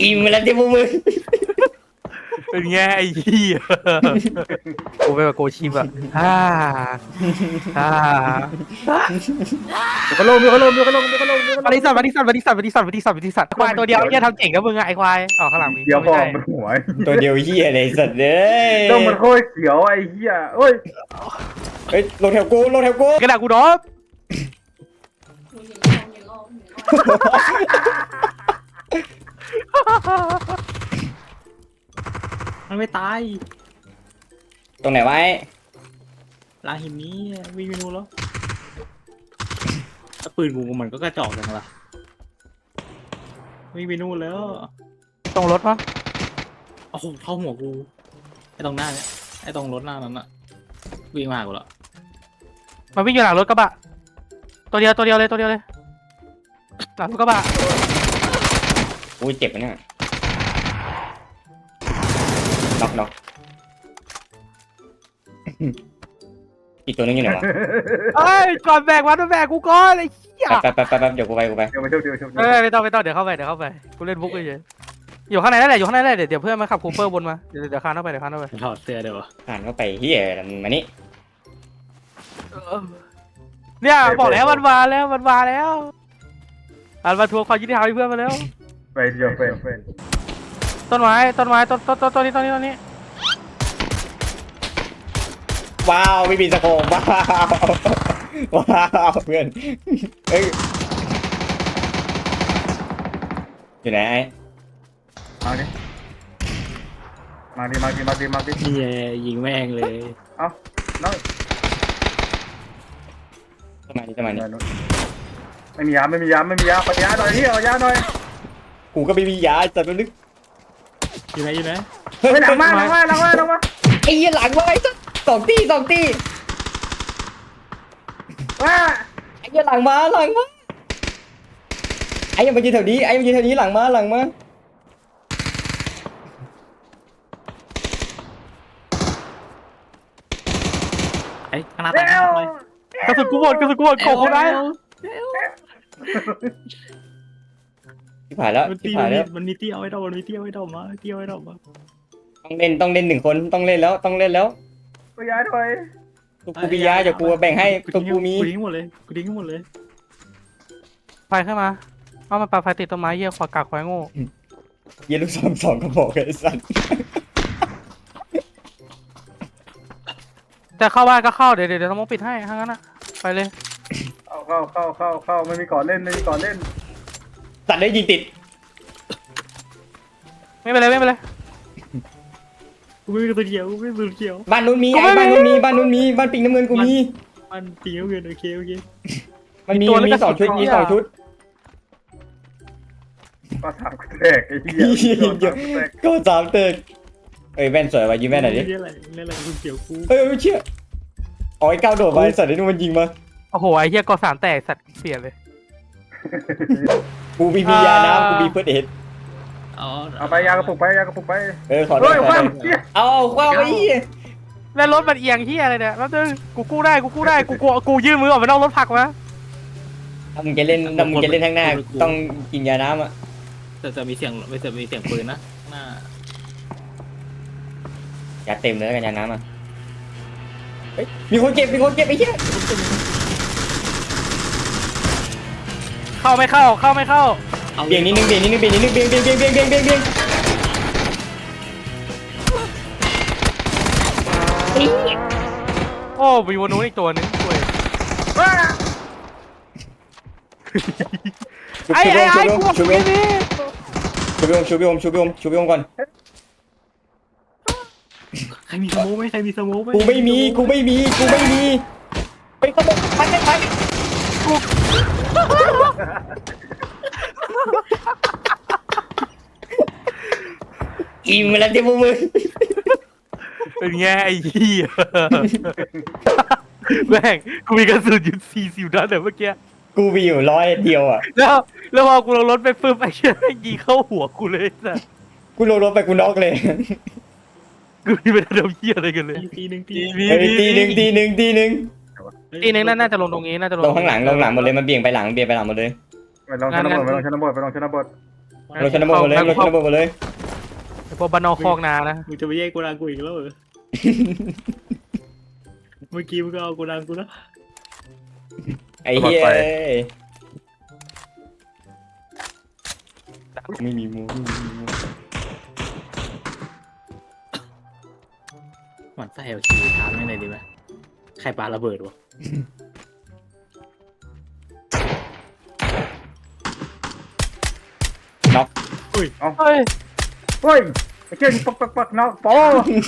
อิ่มแล้วที่พวกมึงเป็นไงไอ้เหี้ยกูไปแบบโกชิบอะฮ่าฮ่าเดี๋ยวก็ลงบริษัทควายตัวเดียวเนี่ยทำเจ๋งกับมึงอะไอ้ควายอ๋อข้างหลังมีเดี๋ยวพอไม่ใช่มันหัวตัวเดียวเหี้ยเลยสัตว์เอ้ยต้องมันโคตรเขียวไอ้เหี้ยเอ้ยเฮ้ยลงแถวกูลงแถวกูกระดาษกูดอบมันไม่ตายตรงไหนไว้ลาหินนี้วิ่งไปนู่นแล้วถ้าปืนกูมันก็กระจอกจังล่ะวิ่งไปนู่นแล้วตรงรถปะโอ้โหเข้าหัวกูไอ้ตรงหน้าเนี่ยไอ้ตรงรถหน้านั้นอะวิ่งมาหากูแล้วมันวิ่งอยู่หลังรถกระบะตัวเดียวเลยหลังรถกระบะอุ้ยเจ็บนะเนี่ยน็อกอีกตัวนึงอยู่ไหนวะเอ้ยก่อนแบกวันมาแบกกูก่อนไอ้เหี้ยแป๊บเดี๋ยวกูไปเดี๋ยวมาเที่ยวไม่ต้องเดี๋ยวเข้าไปกูเล่นบุกเฉยอยู่ข้างในนั่นแหละเดี๋ยวเพื่อนมาขับคูเปอร์บนมาเดี๋ยวคานเข้าไปถอดเสื้อเดี๋ยวผ่านเข้าไปเฮียมานี่เนี่ยบอกแล้วมันมาแล้วมันมาทวงความยุติธรรมให้เพื่อนมาแล้วไปเที่ยวไปต้นไม้ต้นนี้ว้าวไม่มีสโคปว้าวเพื่อนเอ้ยอยู่ไหนไอ้มาดิเฮียยิงแม่งเลยเอ้าน้องทำไมนี่ไม่มียาปัญญาหน่อยพี่เอายาหน่อยกูก็ไม่มียาแต่ตัวนึกอยู่ไหนเฮ้ยหลังมาไอ้เหี้ยหลังมาไอ้สัสสองตีว้าไอ้เหี้ยหลังมาไอ้ยังมายืนแถวนี้หลังมาไอ้ข้างหน้าตายเร็วกระสุนกูหมดโขกเขาได้ที่ผ่านแล้วมันมีเตี้ยไว้ดอกมาต้องเล่นหนึ่งคนต้องเล่นแล้วเอายาหน่อยตัวกูมียาเดี๋ยวกูแบ่งให้ตัวกูมีกูทิ้งหมดเลยไฟขึ้นมาเอามาปาไฟติดต้นไม้เหี้ยขวากากควายโง่เหี้ยลูกซองสองกระบอกไอ้สัสจะเข้าบ้านก็เข้าเดี๋ยวต้องมองปิดให้ทั้งนั้นอะไปเลยเข้าไม่มีก่อนเล่นสัตว์ได้ยิงติดไม่เป็นไรกูไม่มีตัวเดียวบ้านนู้นมีบ้านปิงน้ำเงินกูมีมันตีเอาเงินโอเคมันมีสองชุดก็ถามแตกไอ้เหี้ยก็สามเตกเอ้ยแว่นสวยว่ะยิงแว่นหน่อยดิเล่นอะไรกูเกี่ยวกูเอ้ยเชี่ยอ๋อไอ้ก้าวโดดไปสัตว์ไอ้นู่นมันยิงมาโอ้โหไอ้เหี้ยกอสามแตกสัตว์เสียเลยกูมียาน้ำกูมีเฟิร์สเอ็ดเอาไปยากระปุกไปขอโทเฮ้ษยขอว่าโทษเอาว้าวไอ้เหี้ยแล้วรถมันเอียงเหี้ยอะไรเนี่ยแป๊บนึงกูกู้ได้กูยื่นมือออกไปนอกรถผักมาถ้ามึงจะเล่นข้างหน้าต้องกินยาน้ำอ่ะแต่มีเสียงปืนนะหน้ายาเต็มเลยกันยาน้ำอ่ะเฮ้ยมีคนเก็บไอ้เหี้ยเข้าไม่เข้าเบี่ยงนิดนึงโอ้มีวันนู้นอีกตัวนึงเว้ยไอ้กูบอกไม่มีชูบิโอมก่อนใครมีสโมกไหมกูไม่มีไปขโมยไปอิ่มแล้วที่พวกมึงเป็นไงไอ้เหี้ยแม่งกูมีกระสุนอยู่40 นัดเมื่อกี้กูมีอยู่100 เดียวอ่ะแล้วพอกูลงรถไปปึ๊บไอ้เหี้ยยิงเข้าหัวกูเลยสัสกูลงรถไปกูน็อกเลยกูนี่เป็นเดิมเหี้ยอะไรกันเลยตีหนึ่งตีหนึ่งทีนึงน่าจะลงตรงนี้น่าจะลงลงข้างหลังหมดเลยมันเบี่ยงไปหลังหมดเลยไปลองชนบทเราชนระเบิดหมดเลยเราชนระเบิดหมดเลยไอ้พวกบ้านนอกคอกนานะมึงจะไปแย่งกูดังกูอีกแล้วเหรอเมื่อกี้มึงก็เอากูดังกูนะไอ้เหี้ยไม่มีมูไม่มีมูหมันไส้เอาชีวิตถามไม่ไหนอยดีไหมใครปาระเบิดวะน็อกเฮ้ยเฮ้ยไอ้เจ้าปักเนาะโป้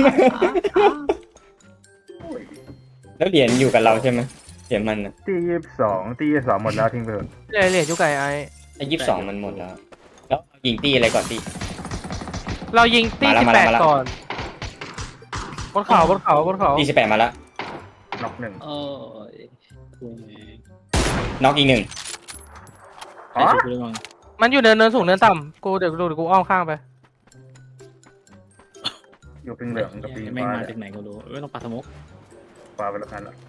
แล้วเหรียญอยู่กับเราใช่ไหมเหรียญมันอะตี22หมดแล้วทิ้งไปเถอะเหรียญยุคไก่ไอ้ไอ้22มันหมดแล้วแล้วยิงตีอะไรก่อนตีเรายิงตีมาแล้ว 18 มาแล้วก่อนบนเขาบนเขาบนเขาตี18มาแล้วน็อกหนึ่งเออกูน็อกอีกหนึ่งใครช่วยกูได้บ้างมันอยู่เนินสูงเนินต่ำกูเดี๋ยวกูอ้อมข้างไปอยู่ปิงเหลืองกับปิงแม่งฟ้ามาจากไหนก็รู้ไม่ต้องปาสมุกฟ้าไปแล้วกันละ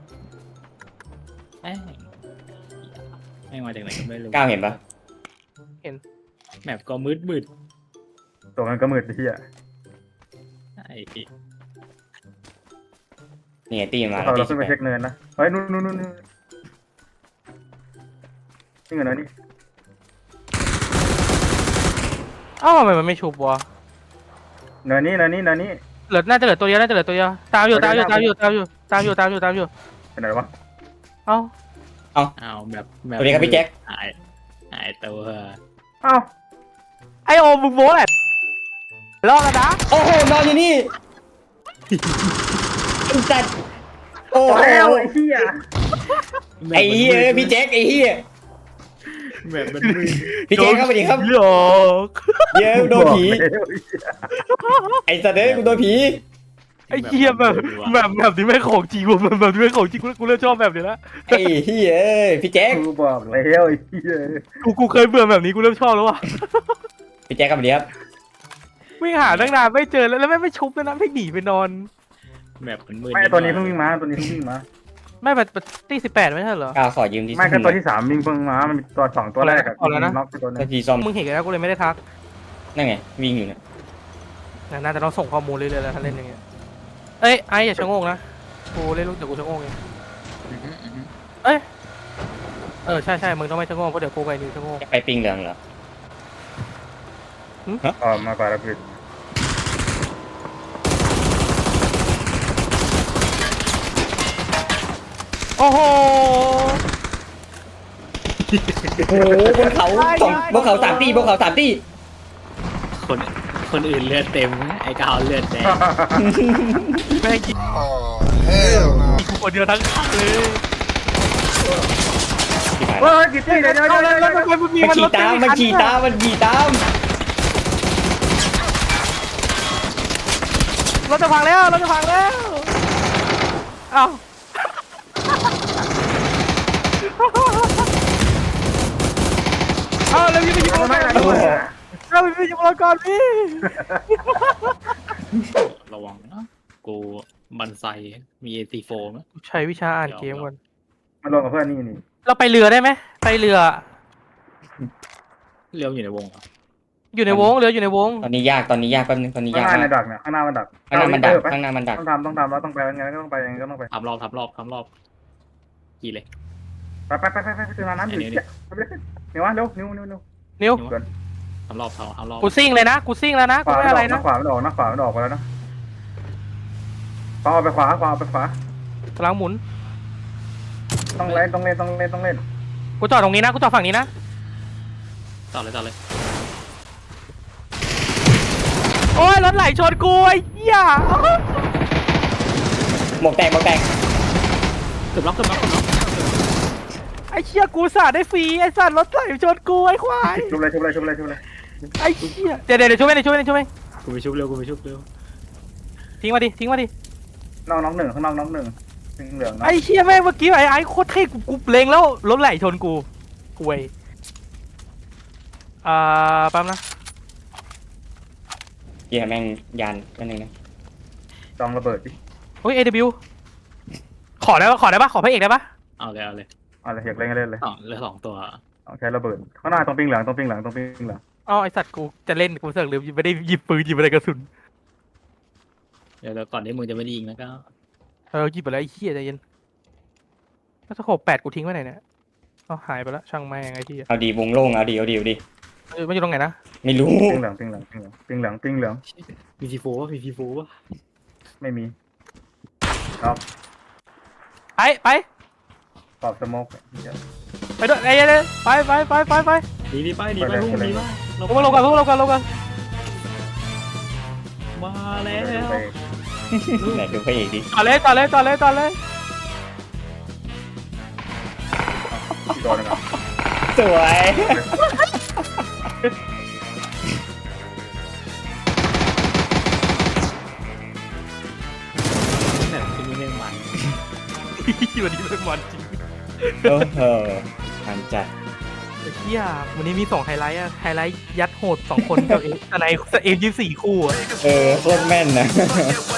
แม่งมาจากไหนก็ไม่รู้ก้าวเห็นปะแมปก็มืดตัวมันก็มืดที่อ่ะไอ้พี่นี่ไงตีมาเราแล้วตีขึ้นไปเช็คเนินนะเฮ้ยนู่นนี่เงินอะไรนี่เอ้าทำไมมันไม่ชุบวะเนินนี้น่าจะเหลือตัวเดียวตามอยู่เป็นไหนวะเอ้าเอาแบบสวัสดีครับพี่แจ็คหายตัวเอ้าไอโอมมึงโม้แหละรอดแล้วนะโอ้โหนอนอยู่นี่ไอ้สัตว์โอ้โหแล้วไอ้เหี้ยไอ้เหี้ยพี่แจ็คไอ้เหี้ยแบบมันมืดพี่แจ็คครับสวัสดีครับหลอกเย้โดนผีไอ้สัตว์เอ้ยกูโดนผีไอ้เหี้ยแบบนี้ไม่ของจริงว่ะแบบนี้ไม่ของจริงกูเริ่มชอบแบบนี้แล้วไอ้เหี้ยเอ้ยพี่แจ็คกูบอกแล้วไอ้เหี้ยกูเคยเบื่อแบบนี้กูเริ่มชอบแล้วว่ะพี่แจ็คครับสวัสดีครับวิ่งหาตั้งนานไม่เจอแล้วไม่ชุบแล้วนะไม่หนีไปนอนแบบมันมืดไม่ตัวนี้เพิ่งวิ่งมาไม่แบบตี18ไม่ใช่เหรอก้าวขอยืมที่ไม่ก็ตัวที่3วิ่งเพิ่งมามันมีตัว2ตัวแรกอะน็อกตัวนึตะกี้ซ่อมมึงเห็นกันแล้วกูเลยไม่ได้ทักนั่นไงวิ่งอยู่เนี่ยน่าจะต้องส่งข้อมูลเรื่อยๆแล้วถ้าเล่นอย่างเงี้ยเอ้ยไอ้อย่าชะโงกนะกูเล่นลูกเดี๋ยวกูชะโงกเองใช่มึงต้องไม่ชะโงกเพราะเดี๋ยวกูไปนิวชะโงกไปปิงเหลืองเหรอมากว่าแล้วคือโอ้โหโอ้โหบนเขาสองบนเขา3 ตีบนเขา3 ตีคนอื่นเลือดเต็มไอ้กาวเลือดแดงแม่งกินกูคนเดียวทั้งคันเลยที่ผ่านเฮ้ยกี่ตีเดี๋ยวแล้วทำไมมึงมีมันขี่ตามมันขี่ตามรถจะพังแล้วเอ้าแล้วพี่ไปยิงเราก่อนพี่ระวังนะกูบันไซมีAC4มั้ยใช้วิชาอ่านเกมก่อนมาลงกับเพื่อนนี่เราไปเรือได้ไหมไปเรือเลี้ยวอยู่ในวงเหรออยู่ในวงเรืออยู่ในวงตอนนี้ยากแป๊บนึงตอนนี้ากข้ายงหน้าในมากดักเนี่ยข้างหน้ามันดักข้างหน้ามันดักต้องทำแล้วต้องไปยังไงก็ต้องไปทำรอบกี่เลยไปคือน้ำอยู่เดี๋ยววะเร็วนิ้วนิ้วทำรอบกูซิ่งเลยนะกูซิ่งแล้วนะกูไม่อะไรนะขวามันออกไปแล้วนะขวาไปขวากำลังหมุนต้องเล่นกูจอดตรงนี้นะกูจอดฝั่งนี้นะต่อเลยโอ้ยรถไหลชนกูไอ้เหี้ยหมวกแตกเกือบล็อกไอ้เหี้ยกูสาดได้ฟรีไอ้สัตว์รถไหลชนกูไอ้ควายชุบเลยไอ้เหี้ยเดี๋ยวช่วยไหมกูไปชุบเร็วทิ้งมาดิน้องหนึ่งข้างนอกน้องหนึ่งเหลืองไอ้เหี้ยแม่งเมื่อกี้ไอ้โคตรเท่กูเล็งแล้วรถไหลชนกูเว้ยแป๊บนะเหี้ยแม่งยานแป๊บนึงนะจองระเบิดดิเฮ้ย AW ขอได้ปะขอพระเอกได้ปะเอาเลยอะไรอยากเล่นเลยเหลือ2ตัวใช้ระเบิดข้างหน้าตรงปิงเหลืองออ้าวไอสัตว์กูจะเล่นกูเสือกลืมไม่ได้หยิบปืนหยิบอะไรกระสุนเดี๋ยวก่อนที่มึงจะไม่ได้ยิงนะก็หยิบไปแล้วไอ้เหี้ยใจเย็นแล้วสโคป8กูทิ้งไว้ไหนเนี่ยเอาหายไปแล้วช่างแม่งไอ้เหี้ยเอาดีวงโล่งเอาดีเอาดีเอาดีมันอยู่ตรงไหนนะไม่รู้ปิ้งเหลืองปิ้งเหลืองปิ้งเหลืองปิ้งเหลืองปิ้งเหลืองมีทีโฟวะมีทีโฟวะไม่มีครับไปปอบสโมกไปด้วยไอ้เลยไปดีดีไปดีไปพวกมึงดีไปลงมาลงกันลงกันมาแล้วไปไหนดูพระเอกดิต่อเลยอีกตัวหนึงอ่ะสวยแบบเป็นยังไงมันวันนี้เป็นวันจริงโอ้โหทันจัดไอ้เหี้ยวันนี้มี2ไฮไลท์อะไฮไลท์ยัดโหด2คนกับเอฟอะไรเอฟ24คู่อะโคตรแม่นนะ Fuck it,